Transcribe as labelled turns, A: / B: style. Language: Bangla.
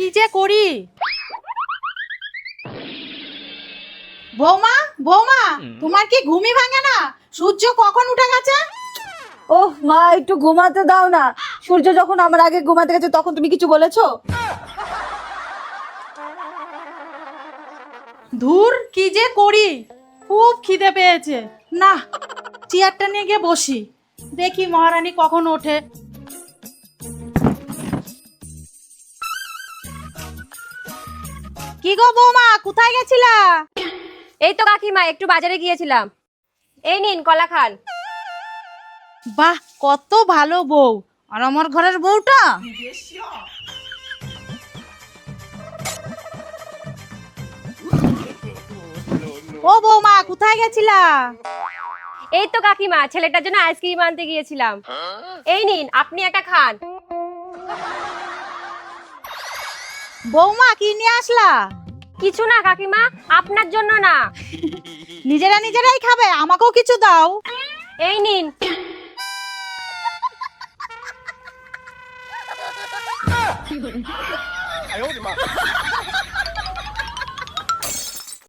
A: কি যে করি। বৌমা বৌমা, তোমার কি ঘুমই ভাঙে না? সূর্য কখন উঠে গেছে?
B: ওহ মা, একটু ঘুমাতে দাও না। সূর্য যখন আমার আগে ঘুমাতে গেছে তখন তুমি কিছু বলেছো?
A: ধুর, কি যে করি, খুব খিদে পেয়েছে। না, চেয়ারটা নিয়ে গিয়ে বসি, দেখি মহারানী কখন ওঠে। কি গো বৌমা, কোথায় গেছিলা?
C: এই তো কাকিমা, একটু বাজারে গিয়েছিলাম। এই নিন কলা খান।
A: বাহ, কত ভালো বউ। আর আমার ঘরের বউটা ও বৌমা, কোথায় গেছিলা?
C: এই তো কাকিমা, ছেলেটার জন্য আইসক্রিম আনতে গিয়েছিলাম। এই নিন, আপনি একটা খান।
A: বৌমা, কি নিয়ে আসলা?
C: কিছু না কাকিমা, আপনার জন্য না।
A: নিজেরা নিজেরাই খাবে, আমাকেও কিছু দাও।
C: এই নিন।